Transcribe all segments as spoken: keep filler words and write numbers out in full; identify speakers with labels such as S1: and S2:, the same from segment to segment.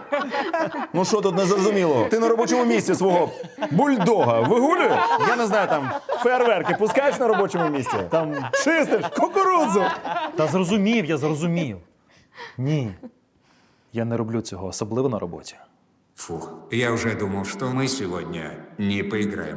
S1: Ну що тут незрозумілого? Ти на робочому місці свого бульдога вигулюєш? Я не знаю, там фейерверки пускаєш на робочому місці? Там чистиш кукурудзу.
S2: Та зрозумів, я зрозумів. Ні. Я не роблю цього, особливо на роботі.
S3: Фух, я уже думал, что мы сегодня не поиграем.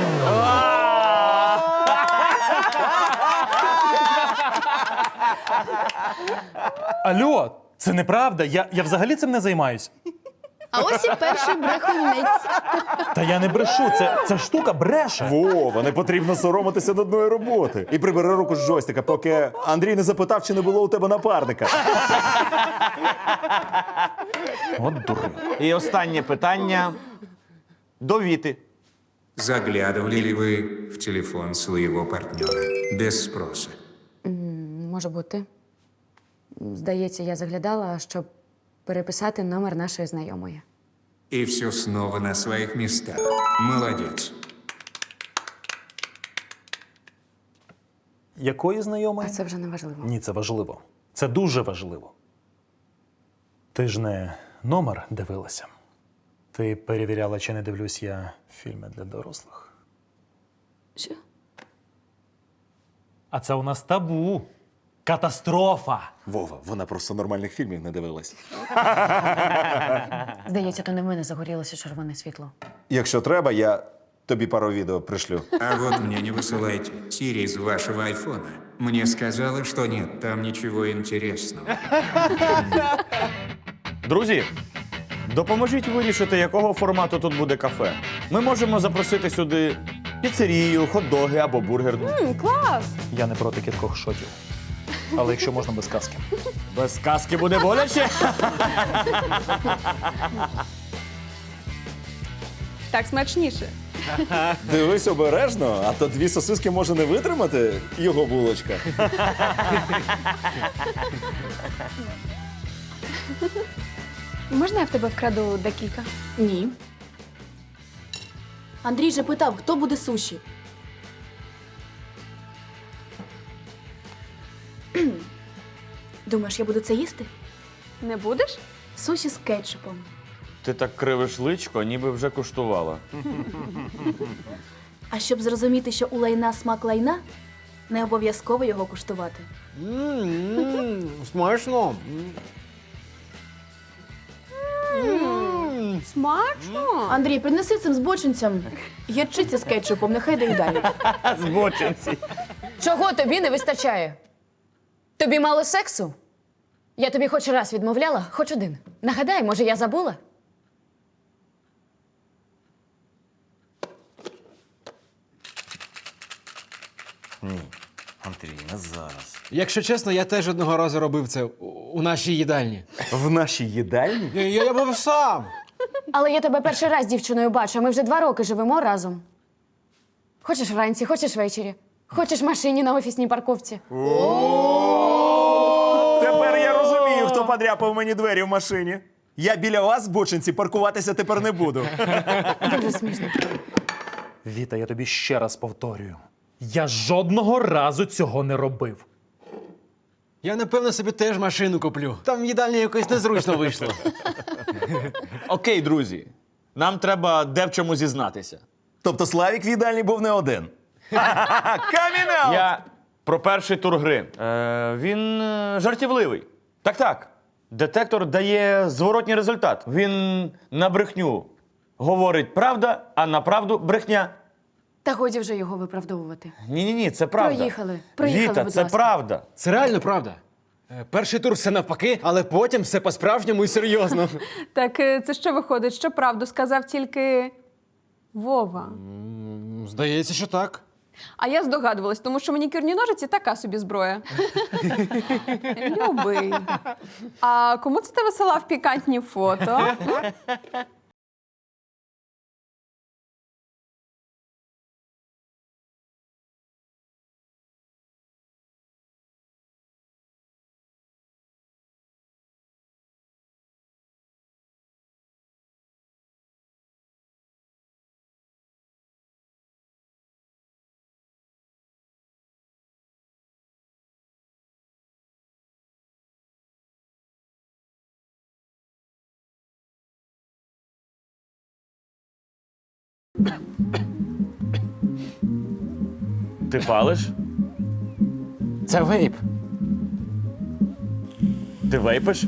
S2: Алло, це неправда, я, я взагалі цим не займаюсь.
S4: А ось і перший брехунець.
S2: Та я не брешу, це, ця штука бреше.
S1: Вова, не потрібно соромитися нудної роботи. І прибери руку з джойстика, поки Андрій не запитав, чи не було у тебе напарника.
S2: От дурень.
S5: І останнє питання до Віти.
S3: Заглядывали ли вы в телефон своего партнера без спроса?
S6: Може бути. Здається, я заглядала, щоб переписати номер нашої знайомої.
S3: И все снова на своих местах. Молодец.
S2: Якої
S6: А
S2: знайомої?
S6: це вже не важливо.
S2: Ні, це важливо. Це дуже важливо. Ти ж не номер дивилася. Ти перевіряла, чи не дивлюсь я фільми для дорослих.
S6: Що?
S2: А це у нас табу. Катастрофа.
S1: Вова, вона просто нормальних фільмів не дивилась.
S6: Здається, то не в мене загорілося червоне світло.
S1: Якщо треба, я тобі пару відео пришлю.
S3: А вот мне не высылайте. Сири из вашего айфона мне сказала, что нет там ничего интересного.
S5: Друзі, допоможіть вирішити, якого формату тут буде кафе. Ми можемо запросити сюди піцерію, хот-доги або бургер.
S2: Я не проти кількох шотів. Але якщо можна без казки.
S5: Без казки буде боляче.
S7: Так смачніше.
S1: Дивись обережно, а то дві сосиски може не витримати його булочка.
S7: Можна я в тебе вкраду декілька?
S4: Ні. Андрій же питав, хто буде суші. Думаєш, я буду це їсти?
S7: Не будеш?
S4: Суші з кетчупом.
S5: Ти так кривиш личко, ніби вже куштувала.
S4: А щоб зрозуміти, що у лайна смак лайна, не обов'язково його куштувати.
S8: Смачно.
S7: Смачно.
S4: Андрій, принеси цим збочинцям гірчиця з кетчупом, нехай доїдають.
S5: Збочинці.
S6: Чого тобі не вистачає? Тобі мало сексу? Я тобі хоч раз відмовляла, хоч один. Нагадай, може, я забула?
S5: Ні, Андрій, не зараз.
S8: Якщо чесно, я теж одного разу робив це у- у нашій їдальні.
S1: В нашій їдальні?
S8: Я, я, я був сам.
S6: Але я тебе перший раз з дівчиною бачу, а ми вже два роки живемо разом. Хочеш вранці, хочеш ввечері. Хочеш в машині на офісній парковці.
S1: Тепер я розумію, хто подряпав мені двері в машині. Я біля вас, бочинці, паркуватися тепер не буду.
S6: Дуже смішно.
S2: Віта, я тобі ще раз повторюю. Я жодного разу цього не робив.
S8: Я, напевно, собі теж машину куплю. Там в їдальні якось незручно вийшло.
S5: Окей, друзі. Нам треба де в чому зізнатися.
S1: Тобто Славік в їдальні був не один. Камінал!
S5: Я про перший тур гри. Е, він е, жартівливий. Так-так. Детектор дає зворотній результат. Він на брехню говорить правда, а на правду брехня.
S6: Та годі вже його виправдовувати.
S5: Ні-ні-ні, це правда.
S6: Проїхали. Проїхали,
S5: Віта,
S6: будь
S5: це
S6: ласка.
S5: правда.
S8: Це реально правда. Е, Перший тур все навпаки, але потім все по-справжньому і серйозно.
S7: Так е, це що виходить, що правду сказав тільки Вова.
S8: М, Здається, що так.
S7: А я здогадувалась, тому що манікюрні ножиці така собі зброя. Любий. А кому це ти висилав пікантні фото?
S5: Ти палиш?
S8: Це вейп.
S5: Ти вейпиш?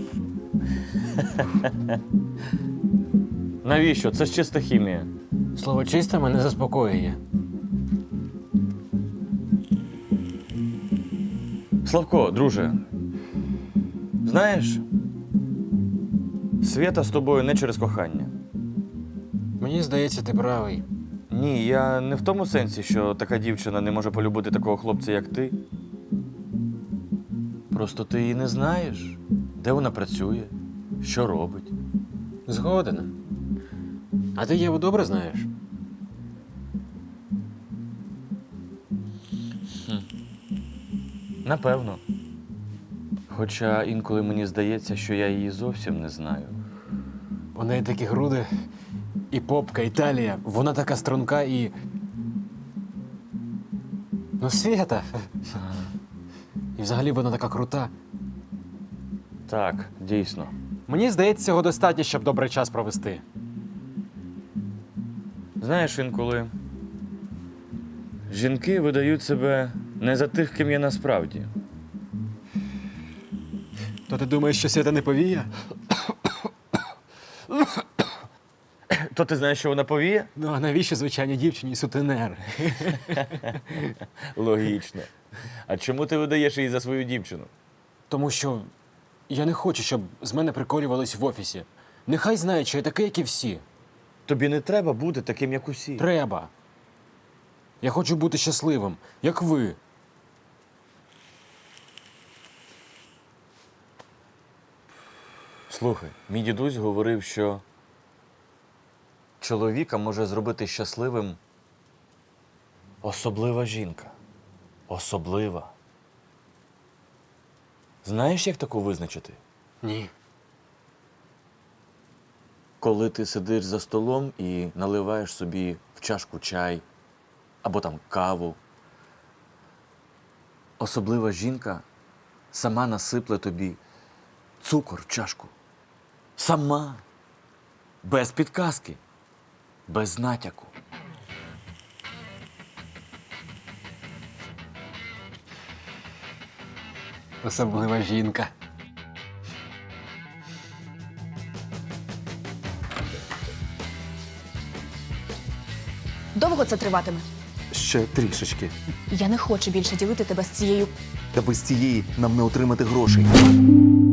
S5: Навіщо? Це ж чиста хімія.
S8: Слово чисте мене заспокоює.
S5: Славко, друже, знаєш, Свята з тобою не через кохання.
S8: Мені здається, ти правий.
S5: Ні, я не в тому сенсі, що така дівчина не може полюбити такого хлопця, як ти. Просто ти її не знаєш, де вона працює, що робить.
S8: Згоден. А ти Єву добре знаєш?
S5: Напевно. Хоча інколи мені здається, що я її зовсім не знаю.
S8: У неї такі груди, і попка, і талія. Вона така струнка і. Ну, Свята. І взагалі вона така крута.
S5: Так, дійсно.
S8: Мені здається, цього достатньо, щоб добрий час провести.
S5: Знаєш, інколи жінки видають себе не за тих, ким є насправді.
S8: То ти думаєш, що Свята не повія?
S5: То ти знаєш, що вона повіє?
S8: Ну, а навіщо звичайній дівчині сутенер?
S5: Логічно. А чому ти видаєш її за свою дівчину?
S8: Тому що я не хочу, щоб з мене приколювались в офісі. Нехай знають, що я такий, як і всі.
S5: Тобі не треба бути таким, як усі.
S8: Треба. Я хочу бути щасливим, як ви.
S5: Слухай, мій дідусь говорив, що чоловіка може зробити щасливим особлива жінка. Особлива. Знаєш, як таку визначити?
S8: Ні.
S5: Коли ти сидиш за столом і наливаєш собі в чашку чай або там каву, особлива жінка сама насипле тобі цукор в чашку. Сама. Без підказки. Без натяку.
S8: Особлива жінка.
S4: Довго це триватиме?
S1: Ще трішечки.
S4: Я не хочу більше ділити тебе з цією.
S1: Та без цієї нам не отримати грошей.